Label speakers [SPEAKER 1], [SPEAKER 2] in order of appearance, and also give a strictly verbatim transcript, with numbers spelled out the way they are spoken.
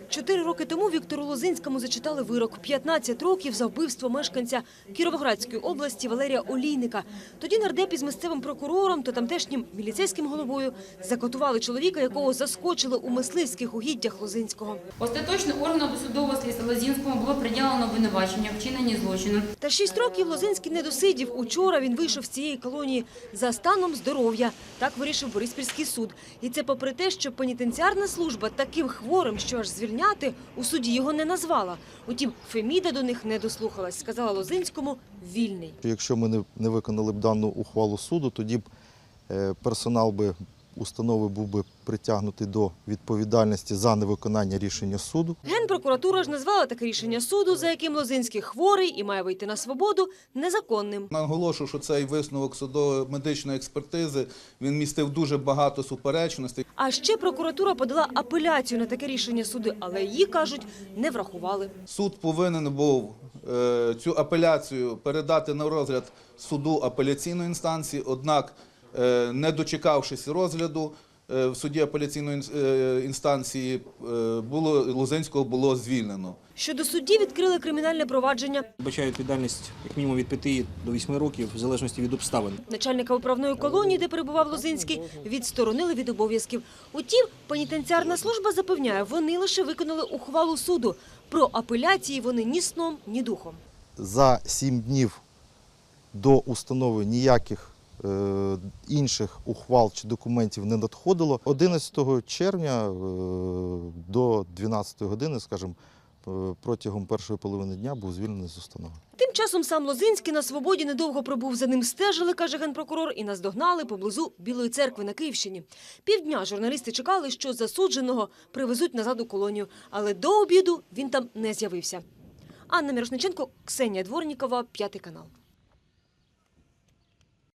[SPEAKER 1] Чотири роки тому Віктору Лозинському зачитали вирок – п'ятнадцять років за вбивство мешканця Кіровоградської області Валерія Олійника. Тоді нардеп із місцевим прокурором та тамтешнім міліцейським головою закатували чоловіка, якого заскочили у мисливських угіддях Лозинського.
[SPEAKER 2] Остаточно органу досудового слідства Лозинському було приділено обвинувачення в вчиненні злочину.
[SPEAKER 1] Та шість років Лозинський не досидів. Учора він вийшов з цієї колонії за станом здоров'я. Так вирішив Бориспільський суд. І це попри те, що пенітенціарна служба таким хворим, що аж звільняти, у суді його не назвала. Утім, Феміда до них не дослухалась. Сказала Лозинському – вільний.
[SPEAKER 3] Якщо ми не, не виконали б дану ухвалу суду, тоді б е, персонал би установи був би притягнутий до відповідальності за невиконання рішення суду.
[SPEAKER 1] Генпрокуратура ж назвала таке рішення суду, за яким Лозинський хворий і має вийти на свободу, незаконним.
[SPEAKER 4] Наголошую, що цей висновок судово-медичної експертизи, він містив дуже багато суперечностей.
[SPEAKER 1] А ще прокуратура подала апеляцію на таке рішення суду, але її, кажуть, не врахували.
[SPEAKER 4] Суд повинен був е, цю апеляцію передати на розгляд суду апеляційної інстанції, однак, е, не дочекавшись розгляду, е, в суді апеляційної е, інстанції е, було, Лозинського було звільнено.
[SPEAKER 1] Щодо судді відкрили кримінальне провадження.
[SPEAKER 5] Бачаю відповідальність як мінімум від п'яти до восьми років, в залежності від обставин.
[SPEAKER 1] Начальника управної колонії, де перебував Лозинський, відсторонили від обов'язків. Утім, пенітенціарна служба запевняє, вони лише виконали ухвалу суду. Про апеляції вони ні сном, ні духом.
[SPEAKER 3] За сім днів до установи ніяких е, інших ухвал чи документів не надходило. одинадцятого червня е, до дванадцятої години, скажімо, протягом першої половини дня був звільнений з установи.
[SPEAKER 1] Тим часом сам Лозинський на свободі недовго пробув, за ним стежили, каже генпрокурор, і наздогнали поблизу Білої церкви на Київщині. Півдня журналісти чекали, що засудженого привезуть назад у колонію, але до обіду він там не з'явився. Анна Мірошниченко, Ксенія Дворнікова, П'ятий канал.